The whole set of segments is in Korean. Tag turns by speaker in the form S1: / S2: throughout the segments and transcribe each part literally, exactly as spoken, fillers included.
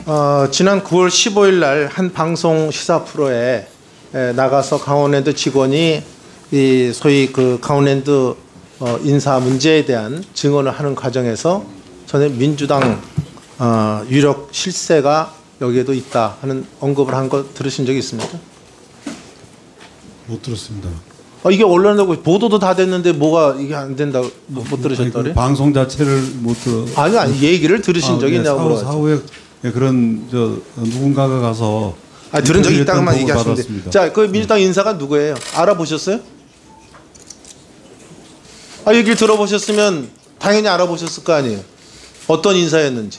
S1: 어, 지난 구월 십오일 날 한 방송 시사 프로에 에, 나가서 강원랜드 직원이 이 소위 그 강원랜드 어, 인사 문제에 대한 증언을 하는 과정에서 저는 민주당 어, 유력 실세가 여기에도 있다 하는 언급을 한 거 들으신 적이 있습니까?
S2: 못 들었습니다.
S1: 어, 이게 언론에 보도도 다 됐는데 뭐가 이게 안 된다고 못, 못 들으셨더래?
S2: 그 방송 자체를 못 들어.
S1: 아니 아니 얘기를 들으신
S2: 아,
S1: 적이
S2: 네,
S1: 있냐고
S2: 사후,
S1: 물어봤죠.
S2: 사후에 예, 그런 저 누군가가 가서
S1: 아, 들은 적이 있다고만
S2: 인터뷰했다는
S1: 얘기하시면
S2: 보고를
S1: 돼요. 자, 그 민주당 인사가 누구예요? 알아보셨어요? 아, 얘기를 들어보셨으면 당연히 알아보셨을 거 아니에요. 어떤 인사였는지.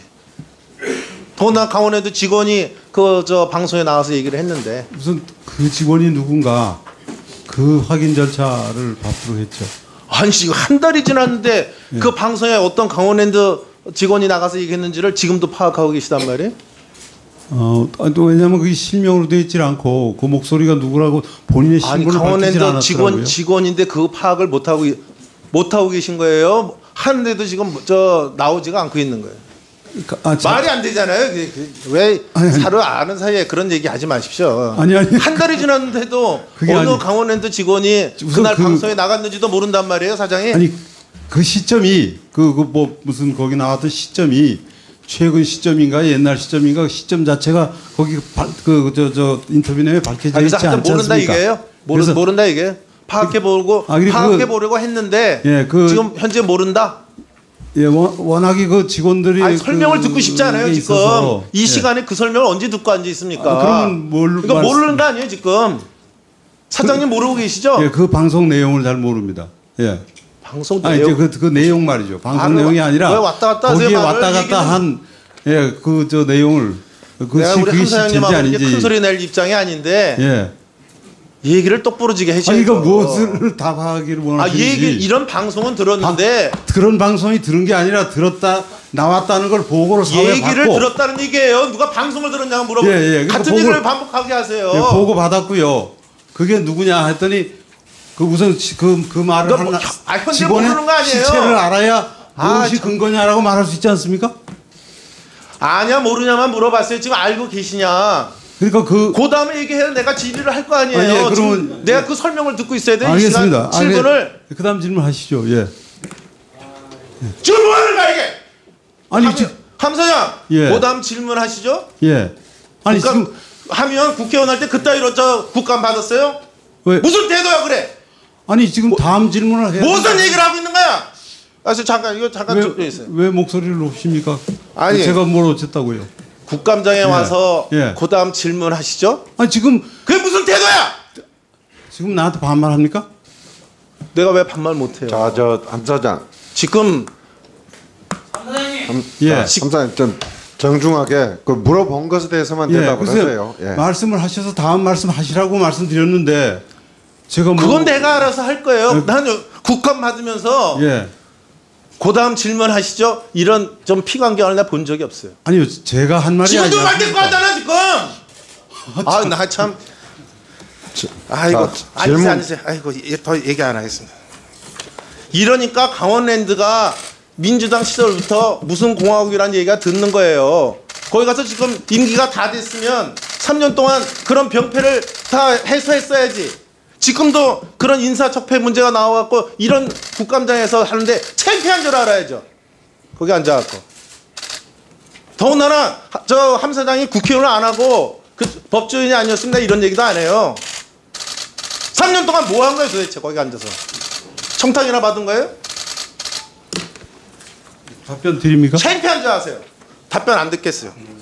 S1: 더나 강원에도 직원이 그 저 방송에 나와서 얘기를 했는데
S2: 무슨 그 직원이 누군가 그 확인 절차를 받도록 했죠.
S1: 아니 지금 한 달이 지났는데
S2: 예.
S1: 그 방송에 어떤 강원랜드 직원이 나가서 얘기했는지를 지금도 파악하고 계시단 말이에요?
S2: 어, 또 왜냐하면 그게 실명으로 되어 있지 않고 그 목소리가 누구라고 본인의
S1: 아니
S2: 신분을 밝히지
S1: 강원랜드
S2: 않았더라고요.
S1: 직원 직원인데 그 파악을 못 하고 못 하고 계신 거예요? 하는데도 지금 저 나오지가 않고 있는 거예요.
S2: 아, 자,
S1: 말이 안 되잖아요. 그, 그, 왜
S2: 아니, 아니.
S1: 서로 아는 사이에 그런 얘기 하지 마십시오.
S2: 아니, 아니.
S1: 한 달이 지났는데도
S2: 그게
S1: 어느
S2: 아니.
S1: 강원랜드 직원이
S2: 우선
S1: 그날
S2: 그-
S1: 방송에 나갔는지도 모른단 말이에요, 사장이.
S2: 아니 그 시점이 그 그 뭐 무슨 거기 나왔던 시점이 최근 시점인가 옛날 시점인가 그 시점 자체가 거기 그 저 저 인터뷰 내에 밝혀져
S1: 아,
S2: 있지
S1: 그래서 하여튼
S2: 않지
S1: 모른다
S2: 않습니까?
S1: 이게요. 모르,
S2: 그래서-
S1: 모른다 이게. 파악해 보고
S2: 아, 그리고
S1: 파악해
S2: 그-
S1: 보려고 했는데
S2: 예, 그-
S1: 지금 현재 모른다.
S2: 예, 워- 워낙에 그 직원들이
S1: 아니, 설명을
S2: 그-
S1: 듣고 싶지 않아요
S2: 그게
S1: 지금.
S2: 있어서.
S1: 이
S2: 예.
S1: 시간에 그 설명을 언제 듣고 앉아 있습니까?
S2: 아, 그러면 뭘
S1: 그러니까
S2: 말씀-
S1: 모르는 거 아니에요 지금. 사장님 모르고 계시죠?
S2: 예, 그 방송 내용을 잘 모릅니다. 예.
S1: 방송
S2: 아니
S1: 내용.
S2: 이제 그, 그 내용 말이죠. 방송
S1: 아,
S2: 내용이
S1: 왜
S2: 아니라
S1: 왔다 갔다 하세요,
S2: 거기에
S1: 말을?
S2: 왔다 갔다
S1: 얘기는.
S2: 한 예, 그 저 내용을 그
S1: 내가
S2: 시-
S1: 우리
S2: 그게
S1: 함
S2: 실체인지
S1: 사장님하고 이렇게
S2: 아닌지.
S1: 큰 소리 낼 입장이 아닌데
S2: 예.
S1: 이 얘기를 똑부러지게 해줘야죠.
S2: 아니 이거 무엇을 답하기를
S1: 아,
S2: 원하시는지.
S1: 이 얘기 이런 방송은 들었는데
S2: 그런 방송이 들은 게 아니라 들었다 나왔다는 걸 보고로 사회에
S1: 얘기를
S2: 받고
S1: 들었다는 얘기예요. 누가 방송을 들었냐고 물어보.
S2: 예, 예. 그러니까
S1: 같은
S2: 보고-
S1: 얘기를 반복하게 하세요.
S2: 예, 보고 받았고요. 그게 누구냐 했더니 그 우선 그, 그 말을
S1: 그러니까 뭐,
S2: 하나
S1: 아, 현재
S2: 직원의
S1: 모르는 거 아니에요?
S2: 실체를 알아야
S1: 아,
S2: 무엇이
S1: 참.
S2: 근거냐라고 말할 수 있지 않습니까?
S1: 아냐 모르냐만 물어봤어요. 지금 알고 계시냐?
S2: 그러니까 그
S1: 그 다음에 얘기해야 내가 질의를 할 거 아니에요.
S2: 아, 예, 그러면-
S1: 지금 내가 그 설명을 듣고 있어야 돼. 이
S2: 알겠습니다.
S1: 시간 칠 분을
S2: 그 다음 질문하시죠. 예.
S1: 지금 뭐 하는 거야 이게?
S2: 아니
S1: 함,
S2: 지,
S1: 함 사장.
S2: 예.
S1: 그 다음 질문하시죠.
S2: 예. 아니
S1: 국감
S2: 지금
S1: 하면 국회의원 할 때 그따위로 저 국감 받았어요?
S2: 왜
S1: 무슨 태도야 그래?
S2: 아니 지금 다음 질문을 해야
S1: 무슨
S2: 된다.
S1: 얘기를 하고 있는 거야? 아, 저 잠깐 이거 잠깐 좀
S2: 왜,
S1: 있어요.
S2: 왜 목소리를 높입니까?
S1: 아니.
S2: 제가 뭘 어쨌다고요?
S1: 국감장에 와서
S2: 예.
S1: 그 다음 질문하시죠.
S2: 아니 지금
S1: 그게 무슨 태도야?
S2: 지금 나한테 반말합니까?
S1: 내가 왜 반말 못해요?
S3: 자, 저 함 사장,
S1: 지금
S3: 함,
S2: 예.
S3: 자, 함 사장 좀 정중하게 그 물어본 것에 대해서만 대답을
S2: 글쎄요.
S3: 하세요. 예.
S2: 말씀을 하셔서 다음 말씀 하시라고 말씀드렸는데 제가 뭐
S1: 그건 내가 알아서 할 거예요.
S2: 예.
S1: 나는 국감 받으면서
S2: 예.
S1: 그 다음 질문하시죠. 이런 좀 피관경을 내가 본 적이 없어요.
S2: 아니요 제가 한 말이
S1: 지금도
S2: 아니라
S1: 말대꾸 하잖아 지금. 아 나 참. 아이고
S3: 자,
S1: 앉으세요
S3: 질문.
S1: 앉으세요. 아이고 예, 더 얘기 안 하겠습니다. 이러니까 강원랜드가 민주당 시절부터 무슨 공화국이라는 얘기가 듣는 거예요. 거기 가서 지금 임기가 다 됐으면 삼 년 동안 그런 병폐를 다 해소했어야지. 지금도 그런 인사적폐 문제가 나와갖고 이런 국감장에서 하는데 창피한 줄 알아야죠. 거기 앉아갖고. 더군다나 저 함 사장이 국회의원을 안 하고 그 법조인이 아니었습니다. 이런 얘기도 안 해요. 삼 년 동안 뭐 한 거예요 도대체 거기 앉아서. 청탁이나 받은 거예요?
S2: 답변 드립니까?
S1: 창피한 줄 아세요. 답변 안 듣겠어요.